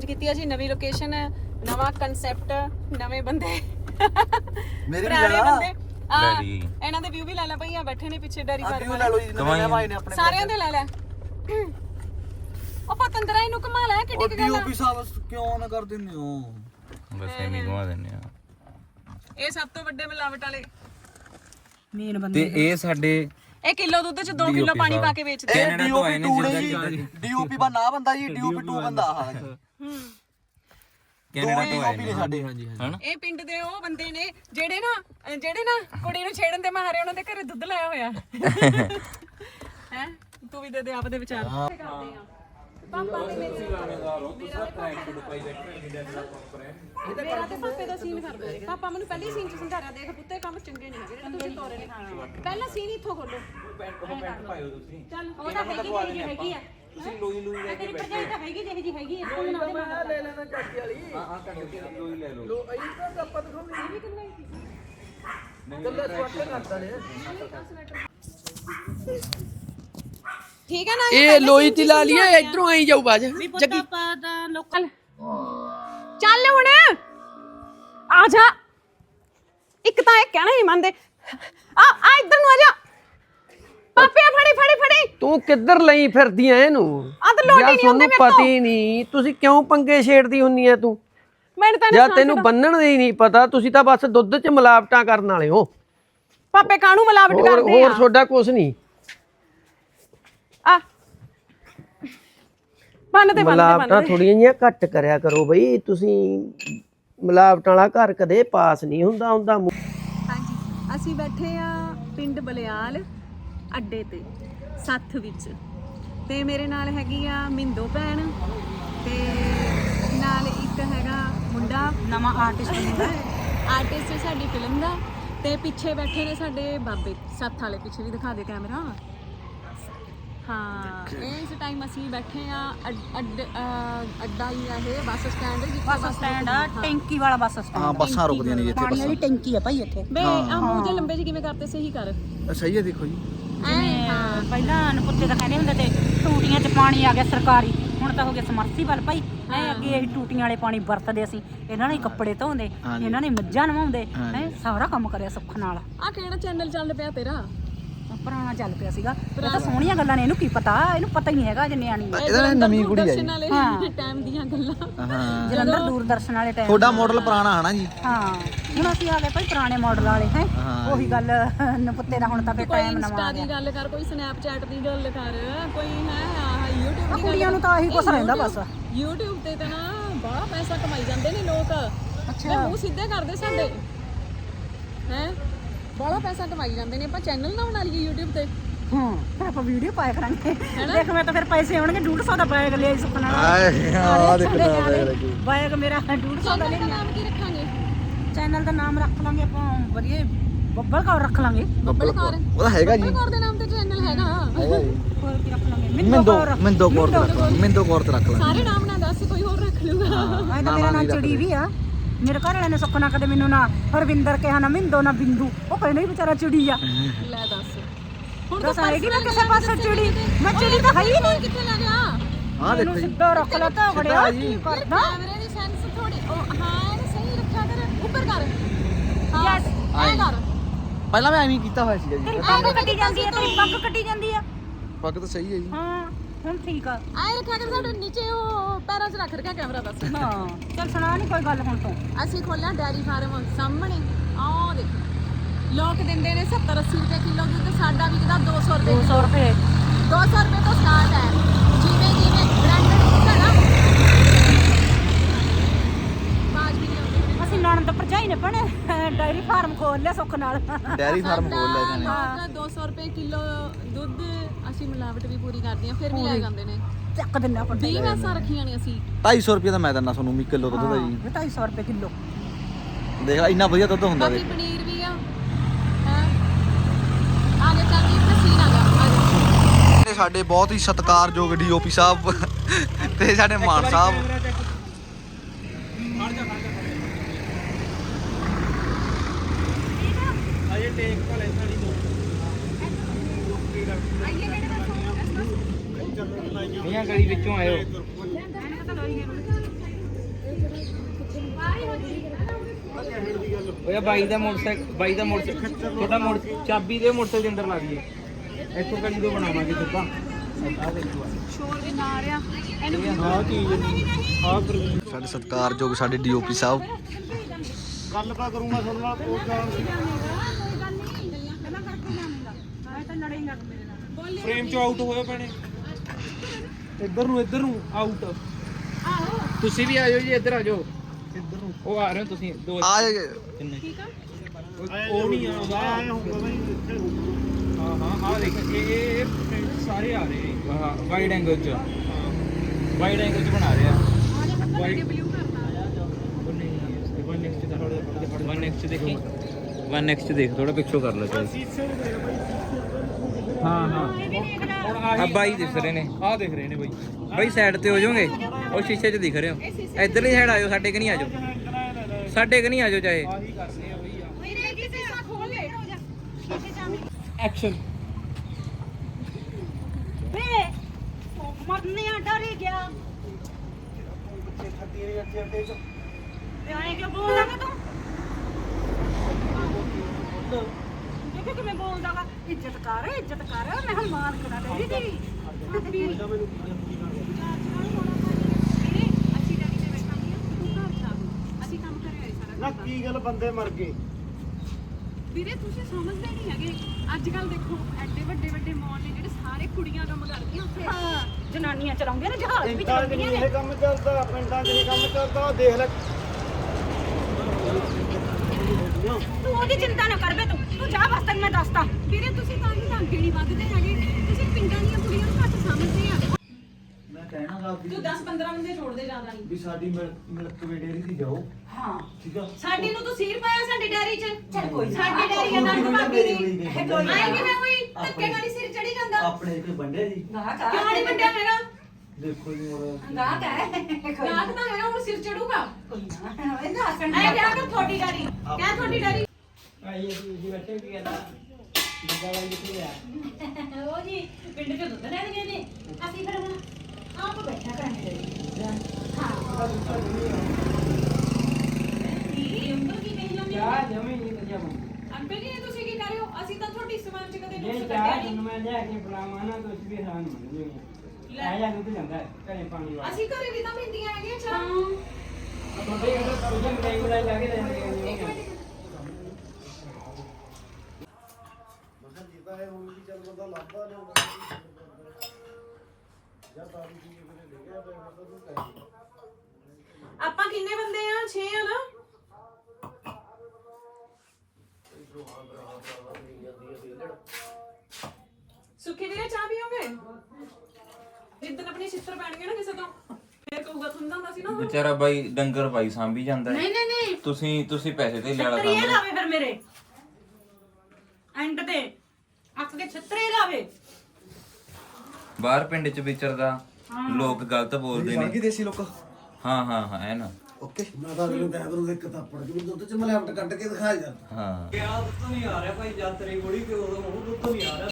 Change ਕੀਤੀ ਆ ਜੀ, ਨਵੀਂ ਲੋਕੇਸ਼ਨ, ਨਵਾਂ ਕਨਸੈਪਟ, ਨਵੇਂ ਬੰਦੇ, ਮੇਰੇ ਵੀ ਪੁਰਾਣੇ ਲਾ ਬੰਦੇ। ਇਹਨਾਂ ਦੇ ਵਿਊ ਵੀ ਲੈ ਲੈ ਭਈਆ, ਬੈਠੇ ਨੇ ਪਿੱਛੇ ਡੈਰੀ ਫਾਰਮ ਲੈ ਲਓ ਜੀ, ਨਵੇਂ ਭਾਈ ਨੇ ਆਪਣੇ ਸਾਰਿਆਂ ਦੇ ਲੈ ਲੈ। ਉਹ ਪਤੰਦਰਾ ਇਹਨੂੰ ਕਮਾ ਲੈ, ਕਿੱਡੀ ਕੁ ਗੱਲ ਆ। ਡੀਓਪੀ ਸਾਹਿਬ ਕਿਉਂ ਨਾ ਕਰ ਦਿੰਦੇ ਹੋ? ਬਸ ਐਵੇਂ ਘੁਮਾ ਦਿੰਨੇ ਆ। ਇਹ ਸਭ ਤੋਂ ਵੱਡੇ ਮਿਲਾਵਟ ਵਾਲੇ ਮੇਨ ਬੰਦੇ ਤੇ ਇਹ ਸਾਡੇ ਇਹ ਕਿਲੋ ਦੁੱਧ ਚ 2 ਕਿਲੋ ਪਾਣੀ ਪਾ ਕੇ ਵੇਚਦੇ ਆ। ਇਹ ਡੀਓਪੀ 2 ਜੀ, ਡੀਓਪੀ ਬਾ ਨਾ ਬੰਦਾ ਜੀ, ਡੀਓਪੀ 2 ਬੰਦਾ ਆਹ ਕੈਨੇਡਾ ਤੋਂ ਆਏ ਨੇ ਸਾਡੇ। ਹਾਂਜੀ ਹਨਾ? ਇਹ ਪਿੰਡ ਦੇ ਉਹ ਬੰਦੇ ਨੇ ਜਿਹੜੇ ਨਾ ਕੁੜੀ ਨੂੰ ਛੇੜਨ ਦੇ ਮਾਰੇ ਉਹਨਾਂ ਦੇ ਘਰੇ ਦੁੱਧ ਲਾਇਆ ਹੋਇਆ ਹੈ। ਤੂੰ ਵੀ ਦੇ ਆਪਦੇ ਵਿਚਾਰ ਕਰਦੇ ਆ। ਪਾਪਾ ਤੇ ਮੇਰਾ ਤੇ ਪਾਪੇ ਦਾ ਸੀਨ ਕਰ ਦੋ। ਪਾਪਾ ਮੈਨੂੰ ਪਹਿਲੀ ਸੀਨ ਚ ਸਮਝਾ ਰਿਹਾ, ਦੇਖ ਪੁੱਤੇ ਕੰਮ ਚੰਗੇ ਨਹੀਂ ਹੈਗੇ ਜਿਹੜੇ ਤੁਸੀਂ ਤੋਰੇ ਨੇ ਖਾਣਾ। ਪਹਿਲਾ ਸੀਨ ਇੱਥੋਂ ਖੋਲੋ। ਪੈਂਟ ਪਾਇਓ ਤੁਸੀਂ। ਚੱਲ ਉਹ ਤਾਂ ਹੈਗੀ ਆ। ਤੁਸੀਂ ਲੋਈ ਲੈ ਕੇ ਬੈਠੇ ਤਾਂ ਹੈਗੀ ਜਿਹੀ ਜੀ ਹੈਗੀ ਆ। ਮੈਂ ਲੈ ਲੈਣਾ ਚਾਚੀ ਵਾਲੀ। ਹਾਂ ਚਾਚੀ ਵਾਲੀ ਲੋਈ ਲੈ ਲਓ। ਲੋ ਇਹ ਤਾਂ ਆਪਾਂ ਦਿਖਾਉਂਦੇ ਇਹ ਵੀ ਕਿੰਨਾ ਹੀ ਕੱਲਾ ਸਵਾਟਰ ਕਰਦਾ ਨੇ। ਠੀਕ ਹੈ ਨਾ, ਇਹ ਲੋਈ ਤੇ ਲਾ ਲਿਆ, ਇਧਰੋਂ ਆਈ ਜਾਊ ਬਾਜ ਜੱਗੀ। ਪਾਪਾ ਦਾ ਲੋਕਲ ਚੱਲ ਹੁਣ ਆ ਜਾ। ਇੱਕ ਤਾਂ ਇਹ ਕਹਿਣਾ ਨਹੀਂ ਮੰਨਦੇ। ਆ ਇੱਧਰ ਨੂੰ ਆ ਜਾ। ਪਾਪੇ ਫੜੀ ਤੂੰ ਕਿੱਧਰ ਲਈ ਫਿਰਦੀ ਐ ਇਹਨੂੰ? ਆ ਤਾਂ ਲੋਟੀ ਨਹੀਂ ਹੁੰਦੇ ਮੇਰੇ ਤੋਂ। ਪਤਾ ਹੀ ਨਹੀਂ ਤੁਸੀਂ ਕਿਉਂ ਪੰਗੇ ਛੇੜਦੀ ਹੁੰਨੀ ਐ ਤੂੰ? ਮੈਨੂੰ ਤਾਂ ਜਾਂ ਤੈਨੂੰ ਬੰਨਣ ਦੀ ਨਹੀਂ ਪਤਾ, ਤੁਸੀਂ ਤਾਂ ਬਸ ਦੁੱਧ 'ਚ ਮਿਲਾਵਟਾਂ ਕਰਨ ਵਾਲੇ ਹੋ। ਪਾਪੇ ਕਾਹਨੂੰ ਮਿਲਾਵਟ ਕਰਦੇ ਆ? ਹੋਰ ਤੁਹਾਡਾ ਕੁਝ ਨਹੀਂ। ਆ ਬੰਨਦੇ ਮਿਲਾਵਟਾਂ ਥੋੜੀਆਂ ਜਿਹੀਆਂ ਘੱਟ ਕਰਿਆ ਕਰੋ ਬਈ। ਤੁਸੀਂ ਮਿਲਾਵਟਾਂ ਵਾਲਾ ਘਰ ਕਦੇ ਪਾਸ ਨਹੀਂ ਹੁੰਦਾ। ਹਾਂਜੀ, ਅਸੀਂ ਬੈਠੇ ਆ ਪਿੰਡ ਬਲਿਆਲ ਅੱਡੇ ਤੇ ਸੱਥ ਵਿੱਚ, ਤੇ ਮੇਰੇ ਨਾਲ ਹੈਗੀ ਆ ਮਿੰਦੋ ਭੈਣ, ਤੇ ਨਾਲ ਇੱਕ ਹੈਗਾ ਮੁੰਡਾ ਨਵਾਂ ਆਰਟਿਸਟ ਸਾਡੀ ਫਿਲਮ ਦਾ, ਤੇ ਪਿੱਛੇ ਬੈਠੇ ਨੇ ਸਾਡੇ ਬਾਬੇ ਸੱਥ ਵਾਲੇ। ਪਿੱਛੇ ਵੀ ਦਿਖਾ ਦੇ ਕੈਮਰਾ। ਹਾਂ, ਇਸ ਟਾਈਮ ਅਸੀਂ ਬੈਠੇ ਆ ਅੱਡਾ ਹੀ ਆ ਇਹ, ਬੱਸ ਸਟੈਂਡ ਆ, ਟੈਂਕੀ ਵਾਲਾ ਬੱਸ ਸਟੈਂਡ। ਹਾਂ ਬੱਸਾਂ ਰੁਕਦੀਆਂ ਨੇ ਇੱਥੇ। ਪਾਣੀ ਵਾਲੀ ਟੈਂਕੀ ਆ ਭਾਈ ਇੱਥੇ। ਬੇ ਆ ਮੂੰਹ ਜੇ ਲੰਬੇ ਜਿਹੇ ਕਿਵੇਂ ਕਰਤੇ, ਸਹੀ ਕਰ। ਸਹੀ ਹੈ, ਦੇਖੋ ਜੀ। ਜਿਵੇਂ ਪਹਿਲਾਂ ਨਪੁੱਤੇ ਤਾਂ ਕਹਿੰਦੇ ਹੁੰਦੇ ਤੇ ਟੂਟੀਆਂ 'ਚ ਪਾਣੀ ਆ ਗਿਆ ਸਰਕਾਰੀ, ਹੁਣ ਤਾਂ ਹੋ ਗਿਆ ਸਮਰਸੀਬਲ ਭਾਈ। ਅੱਗੇ ਅਸੀਂ ਟੂਟੀਆਂ ਵਾਲੇ ਪਾਣੀ ਵਰਤਦੇ ਸੀ, ਇਹਨਾਂ ਨੇ ਕੱਪੜੇ ਧੋਂਦੇ, ਇਹਨਾਂ ਨੇ ਮੱਝਾਂ ਨਵਾਉਂਦੇ, ਸਾਰਾ ਕੰਮ ਕਰਿਆ ਸੁੱਖ ਨਾਲ। ਆ ਕਿਹੜਾ ਚੈਨਲ ਚੱਲ ਪਿਆ ਤੇਰਾ? ਪੁਰਾਣਾ ਚੱਲ ਪਿਆ ਸੀਗਾ। ਇਹ ਤਾਂ ਸੋਹਣੀਆਂ ਗੱਲਾਂ ਨੇ, ਇਹਨੂੰ ਕੀ ਪਤਾ, ਇਹਨੂੰ ਪਤਾ ਹੀ ਨਹੀਂ ਹੈਗਾ ਜੇ ਨਿਆਣੀ ਹੈ। ਇਹਦਾ ਨਵੀਂ ਕੁੜੀ ਹੈ ਜੀ ਟਾਈਮ ਦੀਆਂ ਗੱਲਾਂ। ਹਾਂ, ਜਲੰਧਰ ਦੂਰਦਰਸ਼ਨ ਵਾਲੇ ਟਾਈਮ। ਤੁਹਾਡਾ ਮਾਡਲ ਪੁਰਾਣਾ ਹੈ ਨਾ ਜੀ? ਹਾਂ, ਹੁਣ ਅਸੀਂ ਆ ਗਏ ਭਾਈ ਪੁਰਾਣੇ ਮਾਡਲ ਵਾਲੇ। ਹੈ ਉਹੀ ਗੱਲ ਨਪੁੱਤੇ ਦਾ, ਹੁਣ ਤਾਂ ਫੇ ਟਾਈਮ ਨਵਾਂ ਆ ਗਿਆ। ਦੀ ਗੱਲ ਕਰ, ਕੋਈ ਸਨੈਪਚੈਟ ਦੀ ਗੱਲ ਕਰ, ਕੋਈ ਹੈ ਆਹ YouTube ਦੀ। ਕੁੜੀਆਂ ਨੂੰ ਤਾਂ ਆਹੀ ਕੁਛ ਰਹਿੰਦਾ ਬਸ। YouTube ਤੇ ਤਾਂ ਨਾ ਬੜਾ ਪੈਸਾ ਕਮਾਈ ਜਾਂਦੇ ਨੇ ਲੋਕ। ਅੱਛਾ, ਮੂੰਹ ਸਿੱਧੇ ਕਰਦੇ ਸਾਡੇ ਹੈ, ਬੜਾ ਪੈਸਾ ਕਮਾਈ ਜਾਂਦੇ ਨੇ। ਆਪਾਂ ਚੈਨਲ ਨਾ ਬਣਾ ਲਈਏ YouTube ਤੇ। ਹਾਂ, ਫਿਰ ਆਪਾਂ ਵੀਡੀਓ ਪਾਇਆ ਕਰਾਂਗੇ। ਦੇਖ ਮੈਂ ਤਾਂ ਫਿਰ ਪੈਸੇ ਆਉਣਗੇ। 150 ਦਾ ਬੈਗ ਲਿਆ ਸੁਪਨਾ ਨਾਲ। ਆ ਦੇਖੋ ਬੈਗ ਮੇਰਾ 150 ਦਾ ਲਿਆ। ਨਾਮ ਕੀ ਰੱਖਾਂਗੇ? ਚੈਨਲ ਦਾ ਨਾਮ ਰੱਖ ਲਾਂਗੇ ਆਪਾਂ ਵਧੀਆ, ਬੱਬਲ ਕੌਰ ਰੱਖ ਲਾਂਗੇ। ਬੱਬਲ ਕੌਰ। ਉਹਦਾ ਹੈਗਾ ਜੀ, ਬੱਬਲ ਕੌਰ ਦੇ ਨਾਮ ਤੇ ਚੈਨਲ ਹੈਗਾ। ਹੋਰ ਕੀ ਰੱਖ ਲਾਂਗੇ? ਮਿੰਦੋ ਕੌਰ ਤੇ ਰੱਖ ਲਾਂਗੇ। ਸਾਰੇ ਨਾਮ ਨਾ ਦੱਸ, ਕੋਈ ਹੋਰ ਰੱਖ ਲੂਗਾ। ਮੈਂ ਤਾਂ ਮੇਰਾ ਨਾਮ ਚਿੜੀ ਵੀ ਆ। ਮੇਰੇ ਘਰ ਵਾਲਿਆਂ ਨੇ ਸੁੱਖਣਾ ਕਦੇ ਮੈਨੂੰ ਨਾ ਹਰਵਿੰਦਰ ਕਿਹਾ, ਨਾ ਮਿੰਦੋ, ਨਾ ਬਿੰਦੂ। ਉਹ ਕਹਿੰਦੇ ਹੀ ਵਿਚਾਰਾ ਚਿੜੀ ਆ। ਲੈ ਦੱਸ, ਹੁਣ ਤਾਂ ਸਾਰੇ ਮੈਂ ਕਿਸੇ ਪਾਸੇ ਚਿੜੀ, ਮੈਂ ਚਿੜੀ ਤਾਂ ਹੈ ਹੀ ਨਹੀਂ। ਕਿੱਥੇ ਲੈ ਗਿਆ? ਹਾਂ ਦੇਖੋ ਜੀ, ਸਿੱਧਾ ਰੱਖ ਲਾ ਤਾਂ ਬੜਿਆ ਕੀ ਕਰਦਾ। ਕੈਮਰੇ ਦੀ ਸੈਂਸ ਥੋੜੀ ਹਾਂ ਇਹ ਸਹੀ ਰੱਖਿਆ ਕਰ, ਉੱਪਰ ਕਰ। ਹਾਂ ਯੈਸ, ਐ ਕਰ। ਪਹਿਲਾਂ ਮੈਂ ਐਵੇਂ ਹੀ ਕੀਤਾ ਹੋਇਆ ਸੀਗਾ ਜੀ। ਤੇਰੀ ਪੱਗ ਕੱਟੀ ਜਾਂਦੀ ਆ, ਤੇਰੀ ਪੱਗ ਕੱਟੀ ਜਾਂਦੀ ਆ। ਪੱਗ ਤਾਂ ਸਹੀ ਹੈ ਜੀ। ਹਾਂ ਹੁਣ ਠੀਕ ਆ। ਐ ਰੱਖਿਆ ਕਰ, ਸਾਡੇ ਨੀਚੇ ਉਹ ਪੈਰਾਂ 'ਚ ਰੱਖ ਰੱਖਿਆ ਕੈਮਰਾ ਬਸ। ਹਾਂ ਚੱਲ ਸੁਣਾ ਨਹੀਂ ਕੋਈ ਗੱਲ ਹੁਣ ਤੋਂ। ਅਸੀਂ ਖੋਲਿਆ ਡੈਰੀ ਫਾਰਮ ਸਾਹਮਣੇ। ਆਹ ਦੇਖ, ਲੋਕ ਦਿੰਦੇ ਨੇ 70-80 ਰੁਪਏ ਕਿਲੋ ਦੁੱਧ, ਸਾਡਾ ਵਿਕਦਾ 200 ਰੁਪਏ। 200 ਰੁਪਏ 200 ਰੁਪਏ ਤੋਂ ਸਟਾਰਟ ਹੈ। ਜਿਵੇਂ ਬ੍ਰਾਂਡਡ ਹੁੰਦਾ ਨਾ ਬਾਜ ਵੀ ਨਹੀਂ। ਅਸੀਂ ਨਣਦ ਭਰਜਾਈ ਨੇ ਭਣੇ ਡਾਇਰੀ ਫਾਰਮ ਖੋਲ ਲਿਆ ਸੁੱਖ ਨਾਲ। ਡੈਰੀ ਫਾਰਮ ਖੋਲ ਲਿਆ ਜਾਨੇ। ਲੋਕ 200 ਰੁਪਏ ਕਿਲੋ ਦੁੱਧ, ਅਸੀਂ ਮਿਲਾਵਟ ਵੀ ਪੂਰੀ ਕਰਦੇ ਹਾਂ, ਫਿਰ ਵੀ ਲੈ ਜਾਂਦੇ ਨੇ। ਚੱਕ ਦਿੰਦਾ ਆਪਾਂ 20 ਮੈਸਾਂ ਰੱਖੀਆਂ ਨੇ ਅਸੀਂ। 250 ਰੁਪਏ ਦਾ ਮੈਂ ਦਿੰਦਾ ਤੁਹਾਨੂੰ ਵੀ ਕਿਲੋ ਦੁੱਧ ਦਾ ਜੀ। 250 ਰੁਪਏ ਕਿਲੋ। ਦੇਖ ਲੈ ਇੰਨਾ ਵਧੀਆ ਦੁੱਧ ਹੁੰਦਾ। ਬਾਕੀ ਪਨੀਰ ਵੀ ਆ। ਹੈ ਆ ਜਾ ਚੱਲ ਇੱਕ ਸੀਨ ਆ ਜਾ। ਸਾਡੇ ਬਹੁਤ ਹੀ ਸਤਿਕਾਰਯੋਗ ਡੀਓਪੀ ਸਾਹਿਬ ਤੇ ਸਾਡੇ ਮਾਨ ਸਾਹਿਬ। ਮੀਆਂ ਗਲੀ ਵਿੱਚੋਂ ਆਇਓ। ਓਏ ਬਾਈ ਦਾ ਮੋਟਰਸਾਈਕਲ ਤੁਹਾਡਾ ਚਾਬੀ ਦੇ ਮੋਟਰਸਾਈਕਲ ਦੇ ਅੰਦਰ ਲਾ ਦਈਏ ਇੱਥੋਂ ਕੜੀ ਤੋਂ ਬਣਾਵਾਂਗੇ ਸਿੱਧਾ ਸ਼ੋਰ ਵੀ ਨਾ ਆ ਰਿਹਾ ਇਹਨੂੰ ਆਹ ਚੀਜ਼ ਸਾਡੇ ਸਤਿਕਾਰਯੋਗ ਸਾਡੇ ਡੀਓਪੀ ਸਾਹਿਬ ਗੱਲ ਤਾਂ ਕਰੂੰਗਾ ਤੁਹਾਡੇ ਨਾਲ ਕੋਈ ਗੱਲ ਨਹੀਂ ਫਰੇਮ ਚ ਆਊਟ ਹੋਏ ਪੈਣੇ ਇੱਧਰ ਨੂੰ ਆਊਟ ਤੁਸੀਂ ਵੀ ਆਜੋ ਜੀ ਇੱਧਰ ਆਜੋ ਇੱਧਰ ਨੂੰ ਉਹ ਆ ਰਹੇ ਹੋ ਤੁਸੀਂ ਦੋ ਆ ਕਿੰਨੇ ਉਹ ਨਹੀਂ ਆਉਂਦਾ ਹਾਂ ਦੇਖ ਇਹ ਸਾਰੇ ਆ ਰਹੇ ਹਾਂ ਵਾਈਡ ਐਂਗਲ ਚ ਬਣਾ ਰਹੇ ਆ ਵਨ ਨੈਕਸਟ ਦੇਖ ਥੋੜਾ ਪਿੱਛੋਂ ਕਰ ਲੈ ਚਾਹੀ ਹਾਂ ਆ ਬਾਈ ਦਿਖ ਰਹੇ ਨੇ ਬਾਈ ਸਾਈਡ ਤੇ ਹੋ ਜਾਓਗੇ ਉਹ ਸ਼ੀਸ਼ੇ 'ਚ ਦਿਖ ਰਹੇ ਹੋ ਇੱਧਰਲੀ ਸਾਈਡ ਆਜੋ ਸਾਡੇ ਕਿ ਨਹੀਂ ਆਜੋ ਚਾਹੇ ਐਕਸ਼ਨ ਵੇ ਮਰਨੇ ਆ ਡਰ ਹੀ ਗਿਆ ਤੇ ਆਏ ਕਿਉਂ ਬੋਲਦਾ ਤੂੰ ਦੇਖੋ ਕਿਵੇਂ ਬੋਲਦਾ ਵਾ ਇੱਜ਼ਤ ਕਰ ਮੈਂ ਹੁਣ ਮਾਰ ਕਰਾ ਤੇਰੀ ਦੀ ਅਸੀਂ ਕੰਮ ਕਰਿਆ ਹੋਇਆ ਸਾਰਾ ਨਾ ਕੀ ਗੱਲ ਬੰਦੇ ਮਰ ਗਏ ਵੀਰੇ ਤੁਸੀਂ ਸਮਝਦੇ ਨਹੀਂ ਹੈਗੇ ਅੱਜ ਕੱਲ ਦੇਖੋ ਐਡੇ ਵੱਡੇ ਮਾਲ ਨੇ ਜਿਹੜੇ ਸਾਰੇ ਕੁੜੀਆਂ ਕੰਮ ਕਰਦੀਆਂ ਉੱਥੇ ਹਾਂ ਜਨਾਨੀਆਂ ਚਲਾਉਂਦੀਆਂ ਨੇ ਜਹਾਜ਼ ਵੀ ਚਲਾਉਂਦੀਆਂ ਨੇ ਇਹ ਕੰਮ ਚੱਲਦਾ ਪਿੰਡਾਂ 'ਚ ਇਹ ਕੰਮ ਚੱਲਦਾ ਦੇਖ ਲੈ ਤੂੰ ਉਹਦੀ ਚਿੰਤਾ ਨਾ ਕਰ ਬੇ ਤੂੰ ਜਾ ਬਸ ਤੈਨੂੰ ਮੈਂ ਦੱਸਦਾ ਵੀਰੇ ਤੁਸੀਂ ਤਾਂ ਹੀ ਅੱਗੇ ਨਹੀਂ ਵੱਧਦੇ ਹੈਗੇ ਤੁਸੀਂ ਪਿੰਡਾਂ ਦੀਆਂ ਕੁੜੀਆਂ ਨੂੰ ਘੱਟ ਸਮਝਦੇ ਆ ਮੈਂ ਕਹਿਣਾ ਗਾ ਤੂੰ 10-15 ਬੰਦੇ ਛੋੜਦੇ ਜ਼ਿਆਦਾ ਨਹੀਂ ਵੀ ਸਾਡੀ ਮਿਲਕ ਡੇਅਰੀ ਦੀ ਜਾਓ ਹਾਂ ਠੀਕ ਆ ਸਾਡੀ ਨੂੰ ਤੂੰ ਸੀਰ ਪਾਇਆ ਸਾਡੀ ਡੈਰੀ 'ਚ ਚੱਲ ਕੋਈ ਨਾ ਸਾਡੀ ਡੈਰੀ ਆ ਨੰਦ ਭਾਬੀ ਦੀ ਕੋਈ ਨਾ। ਆਈ ਕਿਵੇਂ ਹੋਈ ਧੱਕੇ ਨਾਲ ਹੀ ਸਿਰ ਚੜੀ ਜਾਂਦਾ ਆਪਣੇ ਕੋਈ ਬੰਦੇ ਜੀ ਕਿਉਂ ਨਹੀਂ ਵੱਡਿਆ ਹੈਗਾ ਦੇਖੋ ਜੀ ਮੋੜਾ ਗਾਹਕ ਹੈ ਨਾਕ ਤਾਂ ਹੈਗਾ ਹੁਣ ਸਿਰ ਚੜੂਗਾ ਕੋਈ ਨਾ ਇਹਦਾ ਹੱਸਣ ਐ ਕਿਹਾ ਕਰ ਤੁਹਾਡੀ ਡੈਰੀ ਕਿਆ ਤੁਹਾਡੀ ਡੈਰੀ ਉਹ ਜੀ ਪਿੰਡ ਚ ਦੁੱਧ ਲੈਣ ਗਏ ਨੇ ਅਸੀਂ ਫਿਰ ਹੁਣ ਆਪ ਬੈਠਾ ਕਰਾਂਗੇ ਹਾਂ ਇਹ ਉਂਗਲ ਕੀ ਕਹੀ ਜਾਂਦੀ ਹੈ ਅੰਕਲ ਜੀ ਇਹ ਤੁਸੀਂ ਕੀ ਕਰ ਰਹੇ ਹੋ ਅਸੀਂ ਤਾਂ ਤੁਹਾਡੀ ਸਮਾਨ 'ਚ ਕਦੇ ਨੁਕਸ ਕੱਢਿਆ ਨਹੀਂ ਅਸੀਂ ਘਰੇ ਵੀ ਤਾਂ ਪੀਂਦੀਆਂ ਹੈਗੀਆਂ ਚਾਹ ਆਪਾਂ ਕਿੰਨੇ ਬੰਦੇ ਆ 6 ਆ ਨਾ ਸੁੱਖੀ ਵੀਰੇ ਚਾਹ ਪੀਓਗੇ ਜਿੱਦਣ ਆਪਣੀ ਸਿਸਟਰ ਪੈਣਗੇ ਨਾ ਕਿਸੇ ਤੋਂ ਫੇਰ ਕਹੂਗਾ ਤੁੰਦਾ ਹੁੰਦਾ ਸੀ ਨਾ ਉਹ। ਵਿਚਾਰਾ ਬਾਈ ਡੰਗਰ ਬਾਈ ਸਾਂਭੀ ਜਾਂਦਾ ਹੈ। ਨਹੀਂ ਤੁਸੀਂ ਪੈਸੇ ਤੇ ਲਿਆਲਾ ਛਤਰੀ ਇਹ ਕੰਮ ਲਾਵੇ ਫਿਰ ਮੇਰੇ ਐਂਡ ਤੇ ਅੱਖ ਕੇ ਛਤਰੀ ਲਾਵੇ ਬਾਹਰ ਪਿੰਡ ਚ ਵਿਚਰਦਾ ਲੋਕ ਗਲਤ ਬੋਲਦੇ ਨੇ ਦੇਸੀ ਲੋਕ ਹਾਂ ਐ ਨਾ ਓਕੇ ਮੈਂ ਤਾਂ ਅਗਲੇ ਟਾਈਮ ਨੂੰ ਇੱਕ ਥੱਪੜ ਕੇ ਦੁੱਧ ਚ ਮਲਾਵਟ ਕੱਢ ਕੇ ਦਿਖਾ ਜਾਂਦਾ ਹਾਂ ਦੁੱਧ ਨਹੀਂ ਆ ਰਿਹਾ ਭਾਈ ਜਦ ਤੇਰੀ ਗੋੜੀ ਤੇ ਉਦੋਂ ਉਹ ਦੁੱਧ ਨਹੀਂ ਆ ਰਿਹਾ